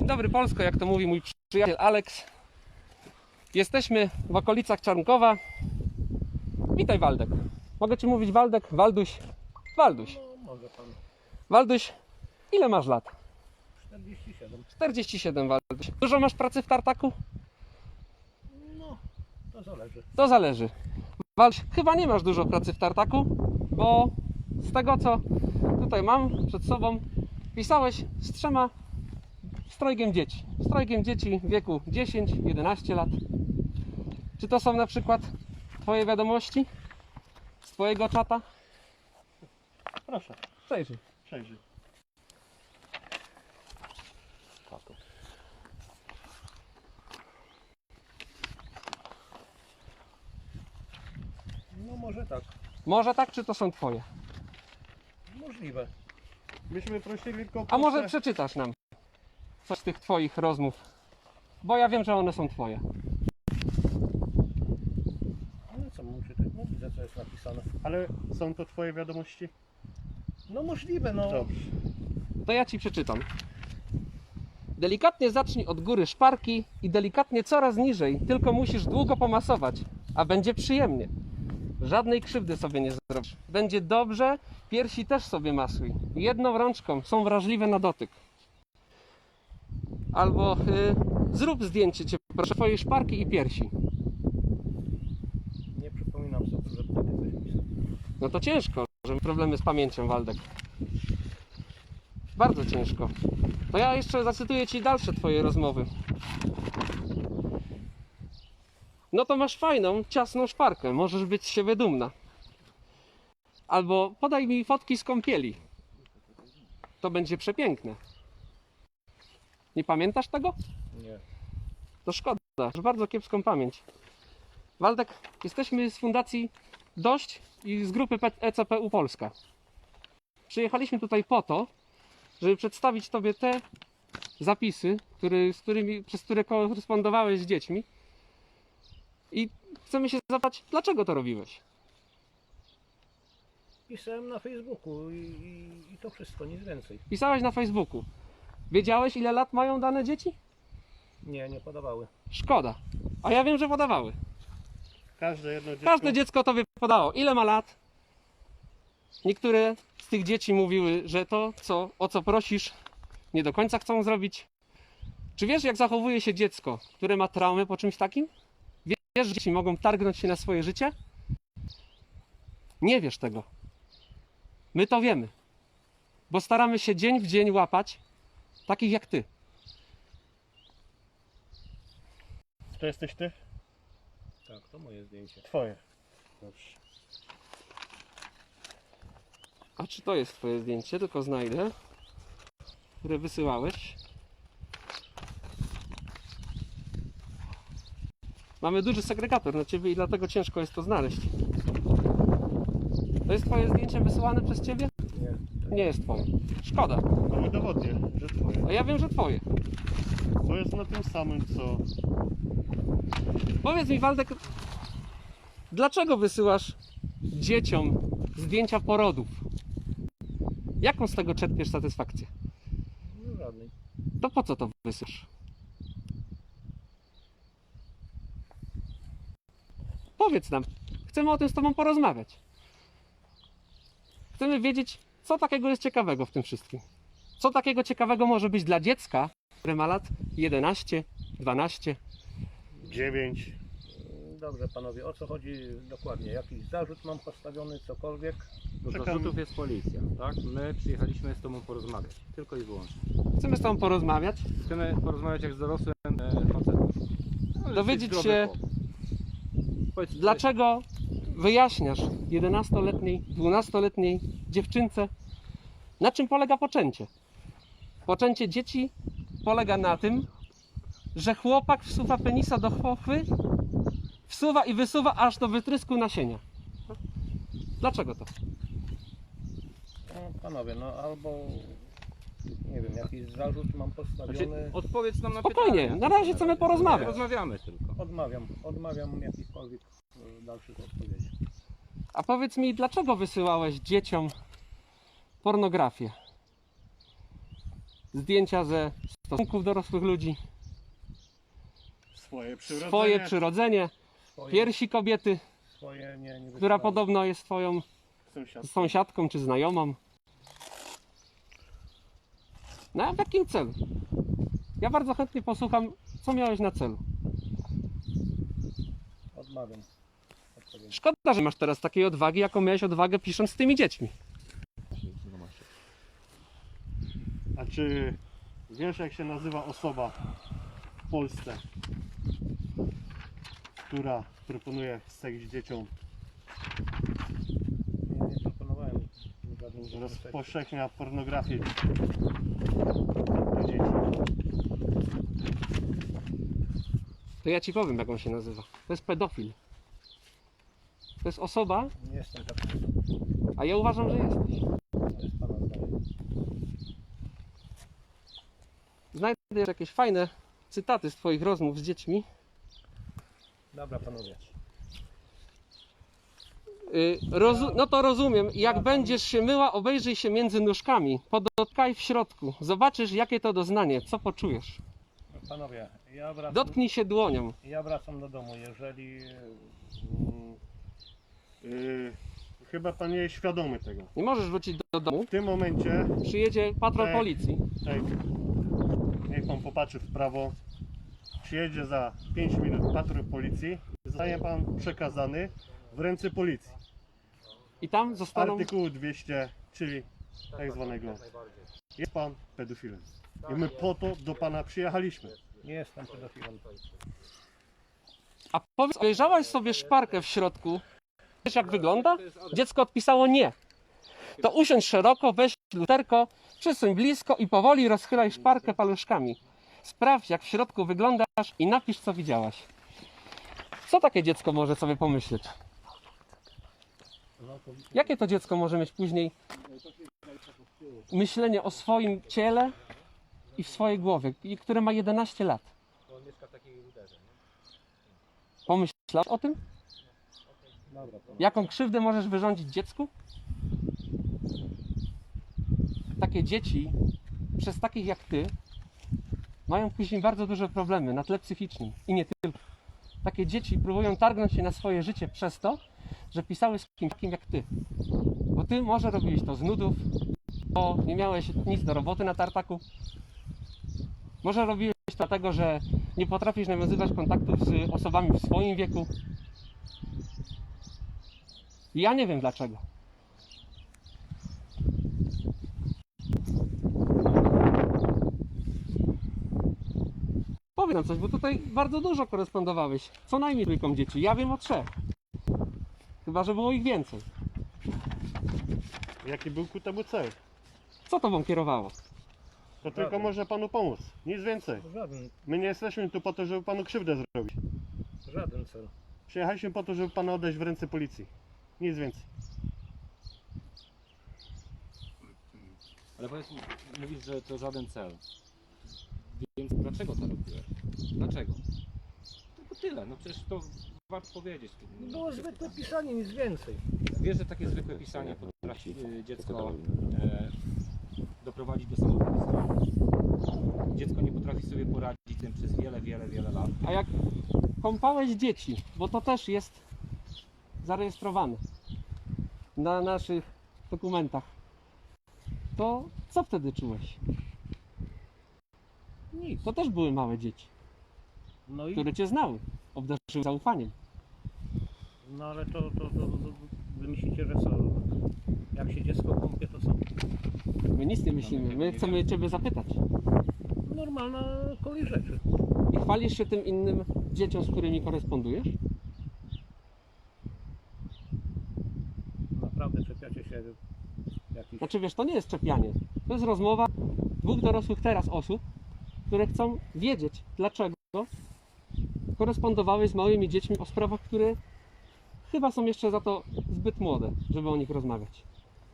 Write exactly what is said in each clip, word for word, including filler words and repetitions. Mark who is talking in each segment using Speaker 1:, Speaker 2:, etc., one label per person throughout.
Speaker 1: Dzień dobry Polsko, jak to mówi mój przyjaciel Aleks. Jesteśmy w okolicach Czarnkowa. Witaj Waldek. Mogę Ci mówić Waldek? Walduś? Walduś.
Speaker 2: No, może pan.
Speaker 1: Walduś, ile masz lat?
Speaker 2: czterdzieści siedem.
Speaker 1: czterdzieści siedem, Walduś. Dużo masz pracy w tartaku?
Speaker 2: No, to zależy.
Speaker 1: To zależy. Walduś, chyba nie masz dużo pracy w tartaku, bo z tego co tutaj mam przed sobą, pisałeś z trzema strojgiem dzieci. Strojgiem dzieci w wieku dziesięć jedenaście lat. Czy to są na przykład Twoje wiadomości z Twojego czata?
Speaker 2: Proszę,
Speaker 1: Przejrzyj.
Speaker 2: przejrzyj. Tato. No może tak.
Speaker 1: Może tak, czy to są Twoje?
Speaker 2: Możliwe. Myśmy prosili tylko...
Speaker 1: A może
Speaker 2: proszę-
Speaker 1: przeczytasz nam coś z tych Twoich rozmów? Bo ja wiem, że one są Twoje.
Speaker 2: No co mam czytać? No widzę, co jest napisane.
Speaker 3: Ale są to twoje wiadomości?
Speaker 2: No możliwe, no.
Speaker 3: Dobrze.
Speaker 1: To ja Ci przeczytam. Delikatnie zacznij od góry szparki i delikatnie coraz niżej, tylko musisz długo pomasować, a będzie przyjemnie. Żadnej krzywdy sobie nie zrobisz. Będzie dobrze, piersi też sobie masuj. Jedną rączką, są wrażliwe na dotyk. Albo y, zrób zdjęcie Cię, proszę, Twojej szparki i piersi.
Speaker 2: Nie przypominam sobie, że takie coś pisał.
Speaker 1: No to ciężko, że problemy z pamięcią, Waldek. Bardzo ciężko. To ja jeszcze zacytuję Ci dalsze Twoje rozmowy. No to masz fajną, ciasną szparkę, możesz być z siebie dumna. Albo podaj mi fotki z kąpieli. To będzie przepiękne. Nie pamiętasz tego?
Speaker 2: Nie.
Speaker 1: To szkoda, masz bardzo kiepską pamięć. Waldek, jesteśmy z Fundacji Dość i z grupy E C P U Polska. Przyjechaliśmy tutaj po to, żeby przedstawić Tobie te zapisy, który, z którymi, przez które korespondowałeś z dziećmi. I chcemy się zapytać, dlaczego to robiłeś?
Speaker 2: Pisałem na Facebooku i, i, i to wszystko, nic więcej.
Speaker 1: Pisałeś na Facebooku. Wiedziałeś, ile lat mają dane dzieci?
Speaker 2: Nie, nie podawały.
Speaker 1: Szkoda. A ja wiem, że podawały.
Speaker 3: Każde jedno dziecko...
Speaker 1: Każde dziecko Tobie podało. Ile ma lat? Niektóre z tych dzieci mówiły, że to, co, o co prosisz, nie do końca chcą zrobić. Czy wiesz, jak zachowuje się dziecko, które ma traumę po czymś takim? Wiesz, że dzieci mogą targnąć się na swoje życie? Nie wiesz tego. My to wiemy. Bo staramy się dzień w dzień łapać takich jak Ty.
Speaker 3: To jesteś ty?
Speaker 2: Tak, to moje zdjęcie.
Speaker 3: Twoje. Dobrze.
Speaker 1: A czy to jest Twoje zdjęcie? Tylko znajdę, które wysyłałeś. Mamy duży segregator na Ciebie i dlatego ciężko jest to znaleźć. To jest Twoje zdjęcie wysyłane przez Ciebie?
Speaker 2: Nie.
Speaker 1: Nie jest Twoje. Szkoda.
Speaker 3: To udowodnię, że twoje.
Speaker 1: A ja wiem, że Twoje.
Speaker 3: To jest na tym samym, co...
Speaker 1: Powiedz mi, Waldek, dlaczego wysyłasz dzieciom zdjęcia porodów? Jaką z tego czerpiesz satysfakcję?
Speaker 2: No żadnej.
Speaker 1: To po co to wysyłasz? Powiedz nam. Chcemy o tym z Tobą porozmawiać. Chcemy wiedzieć, co takiego jest ciekawego w tym wszystkim. Co takiego ciekawego może być dla dziecka, które ma lat jedenaście, dwanaście.
Speaker 3: Dziewięć.
Speaker 2: Dobrze panowie, o co chodzi dokładnie? Jakiś zarzut mam postawiony, cokolwiek?
Speaker 4: Do
Speaker 3: Czekam.
Speaker 4: zarzutów jest policja, tak? My przyjechaliśmy z Tobą porozmawiać, tylko i wyłącznie.
Speaker 1: Chcemy z Tobą porozmawiać.
Speaker 4: Chcemy porozmawiać jak z dorosłym e, facetem. No,
Speaker 1: Dowiedzieć
Speaker 4: jesteś
Speaker 1: się-
Speaker 4: zdrowy chłop. Powiedz,
Speaker 1: Dlaczego wyjaśniasz jedenastoletniej, dwunastoletniej dziewczynce, na czym polega poczęcie? Poczęcie dzieci polega na tym, że chłopak wsuwa penisa do chłopy, wsuwa i wysuwa aż do wytrysku nasienia. Dlaczego to?
Speaker 2: No, panowie, no albo nie wiem, jakiś zarzut mam postawiony.
Speaker 4: Znaczy, odpowiedz nam na
Speaker 1: Spokojnie,
Speaker 4: pytanie.
Speaker 1: na razie chcemy porozmawiać.
Speaker 4: Rozmawiamy tylko.
Speaker 2: Odmawiam, odmawiam jakichkolwiek e, dalszych odpowiedzi.
Speaker 1: A powiedz mi, dlaczego wysyłałeś dzieciom pornografię? Zdjęcia ze stosunków dorosłych ludzi,
Speaker 3: Swoje przyrodzenie.
Speaker 1: swoje przyrodzenie,
Speaker 2: Swoje,
Speaker 1: piersi kobiety,
Speaker 2: swoje nie, nie
Speaker 1: która
Speaker 2: wysyłamy.
Speaker 1: podobno jest twoją
Speaker 3: Sąsiad.
Speaker 1: sąsiadką czy znajomą. No a w jakim celu? Ja bardzo chętnie posłucham, co miałeś na celu.
Speaker 2: Odmawiam odpowiedzi.
Speaker 1: Szkoda, że masz teraz takiej odwagi, jaką miałeś odwagę pisząc z tymi dziećmi.
Speaker 3: A czy wiesz, jak się nazywa osoba w Polsce, która proponuje seks dzieciom,
Speaker 2: Nie, nie proponowałem żadnych rzeczy.
Speaker 3: rozpowszechnia pornografię dla dzieci?
Speaker 1: To ja ci powiem, jak on się nazywa. To jest pedofil. To jest osoba,
Speaker 2: Nie jestem taki.
Speaker 1: a ja uważam, że jesteś.
Speaker 2: To jest pana zdanie.
Speaker 1: Znajdę jeszcze jakieś fajne cytaty z twoich rozmów z dziećmi.
Speaker 2: Dobra, panowie.
Speaker 1: Yy, rozu- no to rozumiem. Jak będziesz się myła, obejrzyj się między nóżkami. Podotkaj w środku. Zobaczysz, jakie to doznanie. Co poczujesz.
Speaker 2: Panowie, ja wracam,
Speaker 1: Dotknij się dłonią.
Speaker 2: ja wracam do domu. Jeżeli
Speaker 3: Mm, yy, chyba pan nie jest świadomy tego.
Speaker 1: Nie możesz wrócić do, do domu.
Speaker 3: W tym momencie,
Speaker 1: Przyjedzie patrol
Speaker 3: Ej.
Speaker 1: policji.
Speaker 3: ej, niech pan popatrzy w prawo, przyjedzie za pięć minut patrol policji, zostanie pan przekazany w ręce policji.
Speaker 1: I tam zostaną...
Speaker 3: Artykuł dwieście, czyli tak zwanego. Jest pan pedofilem. I my po to do pana przyjechaliśmy.
Speaker 2: nie jestem pedofilem.
Speaker 1: A powiedz, obejrzałaś sobie szparkę w środku? Wiesz, jak wygląda? Dziecko odpisało nie. To usiądź szeroko, weź lusterko, przysuń blisko i powoli rozchylaj szparkę paluszkami. Sprawdź, jak w środku wyglądasz i napisz, co widziałaś. Co takie dziecko może sobie pomyśleć? Jakie to dziecko może mieć później myślenie o swoim ciele i w swojej głowie, i które ma jedenaście lat? Pomyślał o tym?
Speaker 2: Dobra, panowie.
Speaker 1: Jaką krzywdę możesz wyrządzić dziecku? Takie dzieci, przez takich jak ty, mają później bardzo duże problemy na tle psychicznym i nie tylko. Takie dzieci próbują targnąć się na swoje życie przez to, że pisały z kimś takim jak ty. Bo ty może robiłeś to z nudów, bo nie miałeś nic do roboty na tartaku. Może robiłeś to dlatego, że nie potrafisz nawiązywać kontaktów z osobami w swoim wieku. Ja nie wiem dlaczego. Powiedz nam coś, bo tutaj bardzo dużo korespondowałeś. Co najmniej trójką dzieci. Ja wiem o trzech. Chyba, że było ich więcej.
Speaker 3: Jaki był ku temu cel?
Speaker 1: Co tobą kierowało?
Speaker 3: To tylko może panu pomóc. Nic więcej.
Speaker 2: Żaden,
Speaker 3: My nie jesteśmy tu po to, żeby panu krzywdę zrobić.
Speaker 2: żaden cel.
Speaker 3: Przyjechaliśmy po to, żeby pana oddać w ręce policji. Nic więcej.
Speaker 4: Ale powiedz, mówisz, że to żaden cel. Więc dlaczego to robiłeś? Dlaczego? Tylko tyle, no przecież to warto powiedzieć.
Speaker 2: Było zwykłe pisanie, nic więcej.
Speaker 4: Wiesz, że takie zwykłe pisanie potrafi y, dziecko e, doprowadzić do samobójstwa. Dziecko nie potrafi sobie poradzić z tym przez wiele, wiele, wiele lat.
Speaker 1: A jak kąpałeś dzieci, bo to też jest zarejestrowane na naszych dokumentach, to co wtedy czułeś?
Speaker 2: Nic.
Speaker 1: To też były małe dzieci,
Speaker 2: No i
Speaker 1: które cię znały, obdarzyły zaufaniem.
Speaker 2: no ale to, to, to, to wy myślicie, że co? Jak się dziecko kąpie, to co?
Speaker 1: My nic nie myślimy, my chcemy ciebie zapytać.
Speaker 2: Normalna kolej rzeczy.
Speaker 1: I chwalisz się tym innym dzieciom, z którymi korespondujesz?
Speaker 2: Naprawdę czepiacie się jakichś...
Speaker 1: Znaczy wiesz, to nie jest czepianie. To jest rozmowa dwóch dorosłych teraz osób, które chcą wiedzieć, dlaczego korespondowałeś z małymi dziećmi o sprawach, które chyba są jeszcze za to zbyt młode, żeby o nich rozmawiać.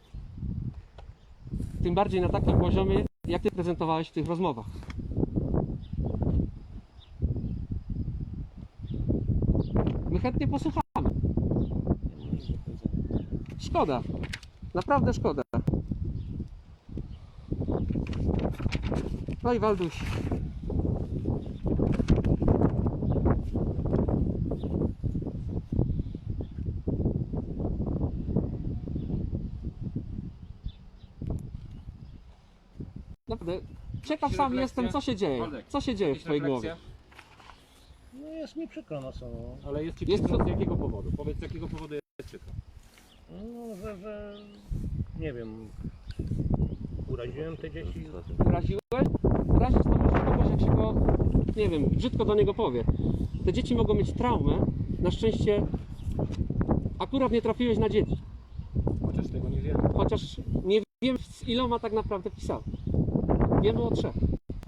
Speaker 1: Tym bardziej na takim poziomie, jak ty prezentowałeś w tych rozmowach. My chętnie posłuchamy. Szkoda. Naprawdę szkoda. No i Walduś, naprawdę, ciekaw sam
Speaker 4: refleksje?
Speaker 1: jestem, co się dzieje.
Speaker 4: Waldek,
Speaker 1: Co się dzieje w
Speaker 4: Jakieś
Speaker 1: twojej
Speaker 4: refleksje?
Speaker 1: głowie?
Speaker 2: No jest mi przykro na samo.
Speaker 4: Ale jest ci
Speaker 1: Jest
Speaker 4: przykro
Speaker 1: to-
Speaker 4: z jakiego powodu? Powiedz, z jakiego powodu jest przykro.
Speaker 2: No, że, że nie wiem, uraziłem te dzieci.
Speaker 1: Uraziłeś? Razić to może kogoś, jak się go, nie wiem, brzydko do niego powie. Te dzieci mogą mieć traumę. Na szczęście akurat nie trafiłeś na dzieci.
Speaker 4: Chociaż tego nie wiemy.
Speaker 1: Chociaż nie wiem, z iloma tak naprawdę pisał. Wiemy o trzech.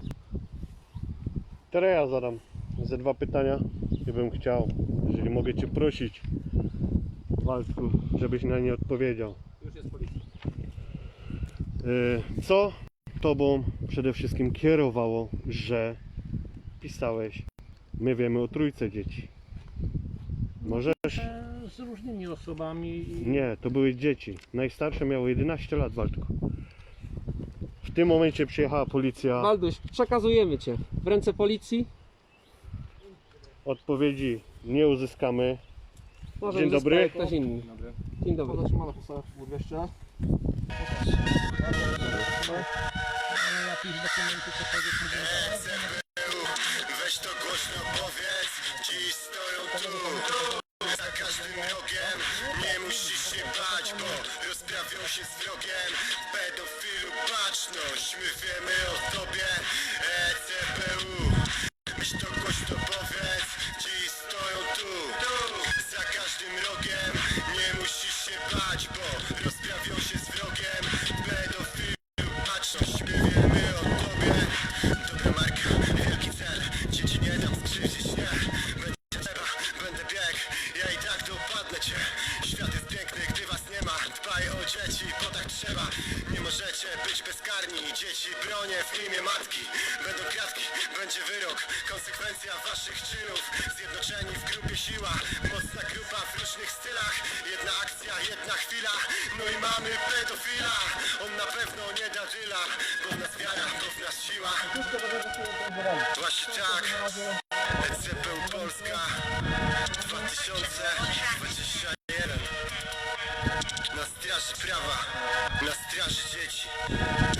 Speaker 3: Teraz ja zadam ze dwa pytania i bym chciał, jeżeli mogę Cię prosić, Waldku, żebyś na nie odpowiedział.
Speaker 4: Już jest policja.
Speaker 3: Yy, Co Tobą przede wszystkim kierowało, że pisałeś, my wiemy o trójce dzieci? Możesz?
Speaker 2: E, Z różnymi osobami. i-
Speaker 3: Nie, to były dzieci. Najstarsze miały jedenaście lat, Waldku. W tym momencie przyjechała policja.
Speaker 1: Walduś, przekazujemy cię w ręce policji.
Speaker 3: Odpowiedzi nie uzyskamy.
Speaker 1: Może
Speaker 3: Dzień
Speaker 1: uzyska
Speaker 3: dobry.
Speaker 1: ktoś inny.
Speaker 4: Dobry.
Speaker 1: Dzień dobry.
Speaker 2: Jakieś dokumenty, cokolwiek mi
Speaker 5: Weź to głośno powiedz, dziś stoją tu za każdym rogiem. Nie musisz się bać, bo rozprawią się z wrogiem. Pedofilu baczność, my wiemy o tobie. E C B U, weź to głośno powiedz, dziś stoją tu za każdym rogiem. Nie musisz się bać, bo rozprawią się z wrogiem. Pedofilu baczność, my wiemy o tobie. Dobra marka, wielki cel, dzieci nie dam skrzywdzić, nie. Będzie trzeba, będę biegł, ja i tak dopadnę cię. Świat jest piękny, gdy was nie ma. Dbaj o dzieci, bo tak trzeba. Nie możecie być bezkarni. Dzieci bronię w imię matki. Będą kratki, będzie wyrok. Konsekwencja waszych czynów. Zjednoczeni w grupie siła. Mocna grupa w różnych stylach. Jedna akcja, jedna chwila. No i mamy pedofila. On na pewno nie da dyla. Bo w nas wiara, bo w nas siła. Właśnie tak. E C P U Polska dwa tysiące dwudziesty jeden. Na straży prawa, na straży dzieci.